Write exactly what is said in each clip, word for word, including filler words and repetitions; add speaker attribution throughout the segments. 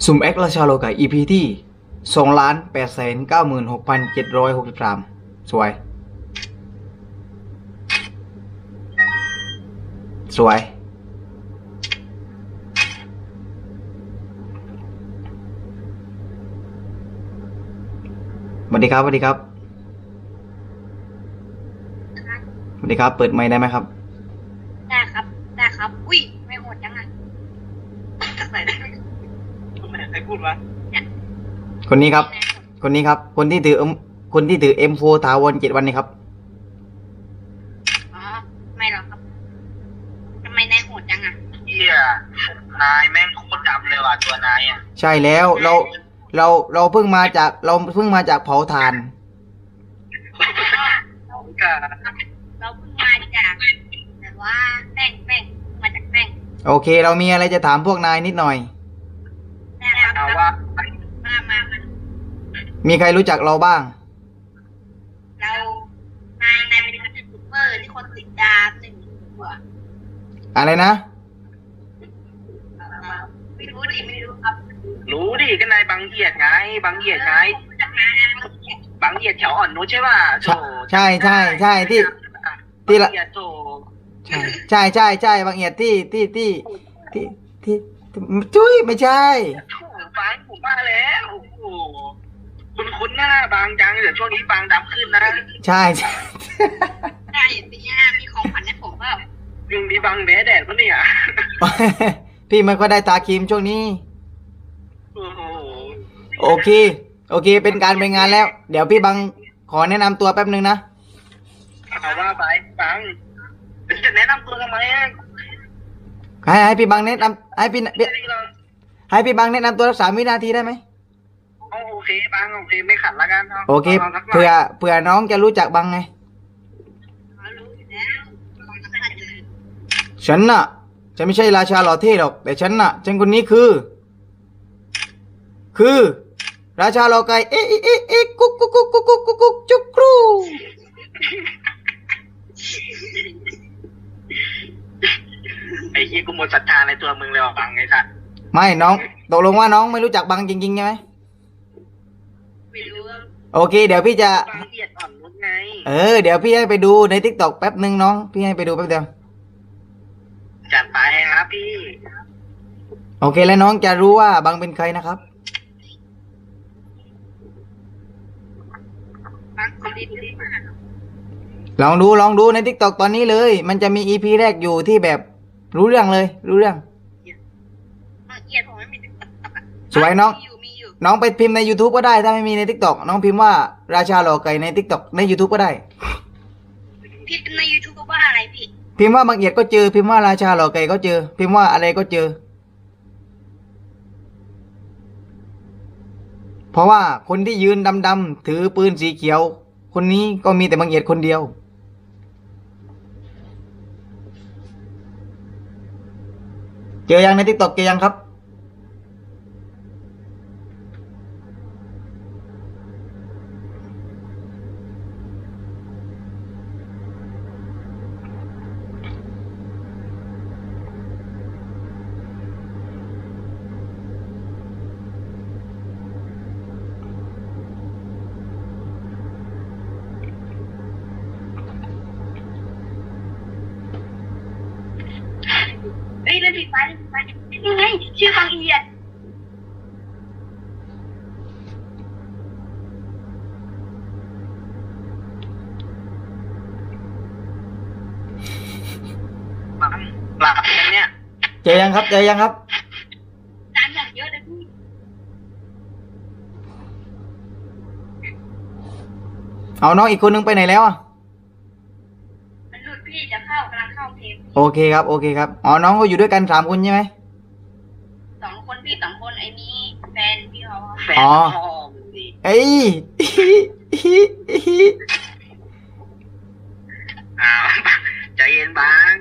Speaker 1: สุ่มแอคราชาโลกา อี พี ที่สองล้านแปดแสนเก้าหมื่นหกพันเจ็ดร้อยหกสิบสามสวยสวยสวัสดีครับสวัสดีครับสวัสดีครับเปิดไมค์ได้ไหมครับ
Speaker 2: ได้ครับได้ครับอุ้ยไม่โหดจังอ่ะไหนได้ไหมใครพูดวะ
Speaker 1: คนนี้ครับคนนี้ครับคนที่ถือคนที่ถือ เอ็ม โฟร์ ถาวรเจ็ดวันนี้ครับ
Speaker 2: อ๋อไม่หรอกครับทำไมนายโหดจังอ่ะ
Speaker 3: เฮียนายแม่งโคตรดำเลยว่ะตัวนายอ่ะ
Speaker 1: ใช่แล้วเราเราเราเพิ่งมาจากเราเพิ่งมาจากเผาถ่าน
Speaker 2: เราเราเพิ่งมาจากแต่ว่าแป้งแป้งมาจากแป้ง
Speaker 1: โอเคเรามีอะไรจะถามพวกนายนิดหน่อย
Speaker 2: นะครับเอาว่ามามามา
Speaker 1: มีใครรู้จักเราบ้าง
Speaker 2: เรานายนายเป็นยูทูบเบอร์ที่คนติดตามหนึ่งตัว
Speaker 1: อะไรนะ
Speaker 2: ไม่รู้ดิไม่รู้ครับ
Speaker 3: รู้ดิก็นายบางเอียดไงบางเอียดไงบางเอียดแถวอ่อนนุชใช่ป่ะโถ
Speaker 1: ใช่ใช่ใช่ที่ที่ละใช่ใช่ใช่ใช่บางเอียดที่ที่ที่ที่ที่จุ้ยไม่ใช่
Speaker 3: บางผมมาแล้วโอ้โหคุณคุ้นหน้าบางจังเดี๋ยวช่วงนี้บางดำขึ้นนะ
Speaker 1: ใช่ใช่
Speaker 2: ใช่ปีหน้ามีของขวัญให้ผมเปล่า
Speaker 3: ยุงดีบางแดดแดดปะเนี่ย
Speaker 1: พี่มันก็ได้ตาครีมช่วงนี้โอเคโอเคเป็นการไปงานแล้วเดี๋ยวพี่บังขอแนะนำตัวแป๊บนึงนะ
Speaker 3: เอาว่าไปบังจะแนะนำตัวทำไม
Speaker 1: ให้ให้พี่บังแนะนำให้พี่ให้พี่บังแนะนำตัวสักสามวินาทีได้ไหม
Speaker 3: โอเคบังโอเคไม่ขัดละกัน
Speaker 1: โอเคเผื่อเผื่อน้องจะรู้จักบังไงฉันน่ะจะไม่ใช่ราชาหล่อเท่หรอกแต่ฉันน่ะฉันคนนี้คือคือราชาหล่อไก่เอ๊ะเอ๊ะเอ๊ะเอ๊ะกุ๊กกุ๊กกุ๊กกุ๊กกุ๊กกุ๊กกุ๊กจุกครู
Speaker 3: ไอ้เหี้ยกูหมดศรัทธาในตัวมึงเลยว่ะบังไอ้สัส
Speaker 1: ไม่น้องตกลงว่าน้องไม่รู้จักบังจริงๆใช่ไหม
Speaker 2: ไม่รู้
Speaker 1: โอเคเดี๋ยวพี่จะ
Speaker 3: บังเอียดอ่อนนุชไง
Speaker 1: เออเดี๋ยวพี่ให้ไปดูใน ทิกตอก แป๊บนึงน้องพี่ให้ไปดูแป๊บเดียว
Speaker 3: จัดไปครับพี่
Speaker 1: โอเคแล้วน้องจะรู้ว่าบังเป็นใครนะครับลองดูลองดูใน ทิกตอก ตอนนี้เลยมันจะมี อี พี แรกอยู่ที่แบบรู้เรื่องเลยรู้เรื่องสวยน้องน้องไปพิมพ์ใน YouTube ก็ได้ถ้าไม่มีใน ทิกตอก น้องพิมพ์ว่าราชาหล่อไก่ใน ทิกตอก ใน YouTube ก็ได้
Speaker 2: พิมพ์ใน YouTube ว่าอะไรพี่
Speaker 1: พิมพ์ว่าบางเอียดก็เจอพิมพ์ว่าราชาหล่อไก่ก็เจอพิมพ์ว่าอะไรก็เจอเพราะว่าคนที่ยืนดำๆถือปืนสีเขียวคนนี้ก็มีแต่บางเอียดคนเดียวเจอยังใน ทิกตอก เจอยังครับ
Speaker 2: เฮ้ยเล่นผิดไปเล่นผิดไปนี่ไงชื่อบางเอียด
Speaker 3: บังหลับกันเนี่ย
Speaker 1: เจอยังครับเจอยังครับ
Speaker 2: จานอย่างเยอะเลยพี่
Speaker 1: เอาน้องอีกคนนึงไปไหนแล้วอ่ะ
Speaker 2: มันหลุดพี่จะเข้ากำลังเข้าเทป
Speaker 1: โอเคครับโอเคครับอ๋อน้องก็อยู่ด้วยกันสามคนใช่ไหม
Speaker 2: สองคนพี่สองคนไอ้นี้แฟนพี่เขา
Speaker 3: แฟนอ๋อ
Speaker 1: เอ้ย
Speaker 3: อ้าวใจเย็นบัง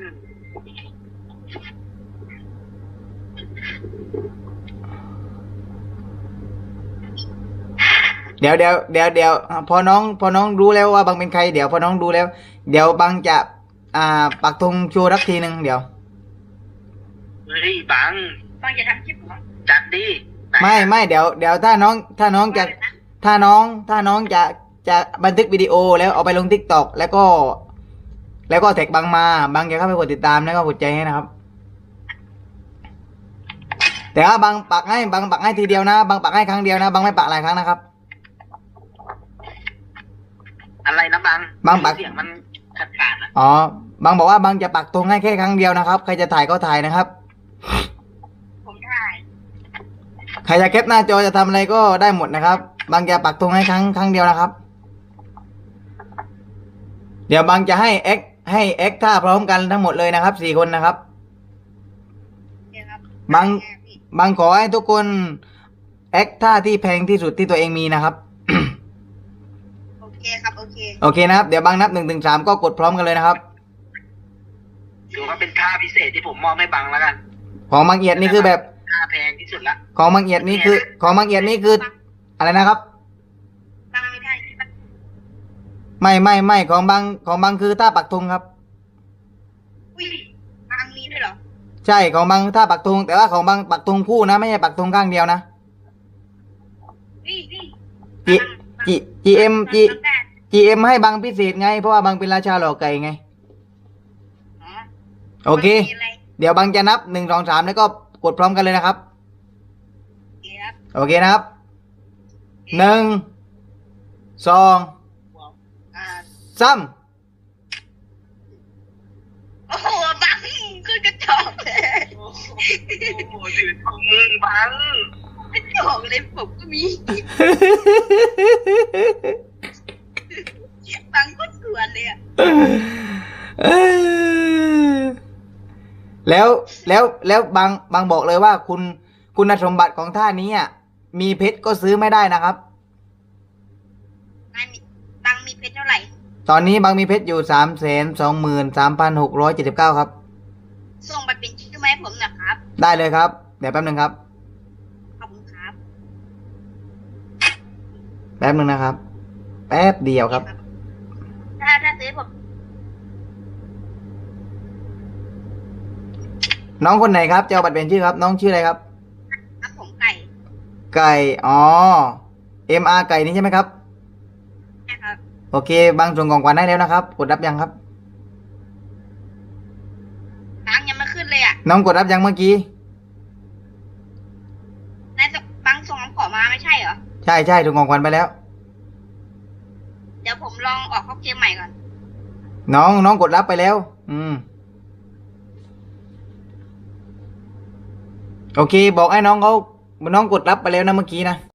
Speaker 1: เดี๋ยวเดี๋ยวเดี๋ยวเดี๋ยวพอน้องพอน้องรู้แล้วว่าบังเป็นใครเดี๋ยวพอน้องรู้แล้วเดี๋ยวบังจะอ่าปักธงโชว์รักทีหนึ่งเดี๋ยว
Speaker 3: เฮ้ยบัง
Speaker 2: บังจะทำคลิปเหรอ
Speaker 3: จัดดิไหน
Speaker 1: ไม่ไม่เดี๋ยวเดี๋ยวถ้าน้องถ้าน้องจะถ้าน้องถ้าน้องจะจะบันทึกวิดีโอแล้วเอาไปลงทิกตอกแล้วก็ แล้วก็แท็กบังมาบังจะเข้าไปกดติดตามแล้วก็กดใจให้นะครับ แต่ว่าบังปักให้บังปักให้ทีเดียวนะบังปักให้ครั้งเดียวนะบังไม่ปักหลายครั้งนะครับ
Speaker 3: อะไรนะบัง
Speaker 1: บังปัก
Speaker 3: เสียงมันขาดขาดๆอ่ะ
Speaker 1: อ๋อบางบอกว่าบางจะปักธงให้แค่ครั้งเดียวนะครับ ใครจะถ่ายก็ถ่ายนะครับ
Speaker 2: ผมถ่าย
Speaker 1: ใครจะแคปหน้าจอจะทำอะไรก็ได้หมดนะครับ บางจะปักธงให้ครั้งครั้งเดียวนะครับ เดี๋ยวบางจะให้เอ็กให้เอ็กท่าพร้อมกันทั้งหมดเลยนะครับสี่คนนะครับ
Speaker 2: เดี๋ยวครับ
Speaker 1: บัง บางขอให้ทุกคนเอ็กท่าที่แพงที่สุดที่ตัวเองมีนะครับ
Speaker 2: โอเคครับโอเค
Speaker 1: โอเคนะครับ เดี๋ยวบางนับหนึ่งถึงสามก็กดพร้อมกันเลยนะครับ
Speaker 3: ถือว่าเป็นท่าพิเศษที่ผมมอบให้บังแล้วกัน
Speaker 1: ของบางเอียดนี่คือแบบ
Speaker 3: ท่าแพงที่สุดละ
Speaker 1: ของบางเอียดนี่คือ ของบางเอียดนี่คืออะไรนะครับ
Speaker 2: บังไม่ได้ที่มัน
Speaker 1: ไม่ไม่ไม่ของบางของบางคือท่าปักธงครับ
Speaker 2: อุ้ยบังมีด้วยเหรอ
Speaker 1: ใช่ของบางท่าปักธงแต่ว่าของบางปักธงคู่นะไม่ใช่ปักธงข้างเดียวนะ
Speaker 2: นี่นี่
Speaker 1: จีจีจีเอ็มจี
Speaker 2: บังได้
Speaker 1: จีเอ็มให้บางพิเศษไงเพราะว่าบางเป็นราชาหล่อไก่ไง
Speaker 2: อ๋อ
Speaker 1: โอเค
Speaker 2: บังมีอะไร
Speaker 1: เดี๋ยวบางจะนับหนึ่งสองสามแล้วก็กดพร้อมกันเลยนะครับ
Speaker 2: เดี๋ยวครับ
Speaker 1: โอเคนะครับหนึ่งสอง
Speaker 2: อ่า
Speaker 1: สาม
Speaker 2: โอ้โหบังคือกระจอกเลย
Speaker 3: โอ้โหยืนของมึงบัง
Speaker 2: กระจอกเลยผมก็มีบังก็สวนเลยอ่ะ
Speaker 1: แล้วแล้วแล้วบางบางบอกเลยว่าคุณคุณสมบัติของท่านี้อ่ะมีเพชรก็ซื้อไม่ได้นะครับ
Speaker 2: นายมีบังมีเพชรเท่าไหร่
Speaker 1: ตอนนี้บางมีเพชรอยู่สามแสนสองหมื่นสามพันหกร้อยเจ็ดสิบเก้าครับ
Speaker 2: ส่งไปเป็นชื่อมาให้ผมหนะครับ
Speaker 1: ได้เลยครับ เดี๋ยวแป๊บหนึ่งครับ
Speaker 2: ขอบคุณครับ
Speaker 1: แป๊บหนึ่งนะครับ แป๊บเดียวครับ
Speaker 2: ถ้าถ้าซื้อผม
Speaker 1: น้องคนไหนครับจะเอาบัตรเปลี่ยนชื่อครับ น้องชื่ออะไรครับ
Speaker 2: ครับผมไก่
Speaker 1: ไก่ อ๋อ เอ็ม อาร์ ไก่นี่ใช่ไหมครับ
Speaker 2: นะครับ
Speaker 1: โอเค บางส่งของขวัญให้แล้วนะครับ กดรับยังครับ
Speaker 2: บังยังไม่ขึ้นเลยอ่ะ
Speaker 1: น้องกดรับยังเมื่อกี้
Speaker 2: นายส่งบังส่งคำขอมาไม่ใช่เหรอ
Speaker 1: ใช่ใช่ส่งของขวัญไปแล้ว
Speaker 2: เดี๋ยวผมลองออกข้อเกมใหม่ก่อน
Speaker 1: น้องน้องกดรับไปแล้ว อืม โอเค บอกให้น้องเขาน้องกดรับไปแล้วนะเมื่อกี้นะ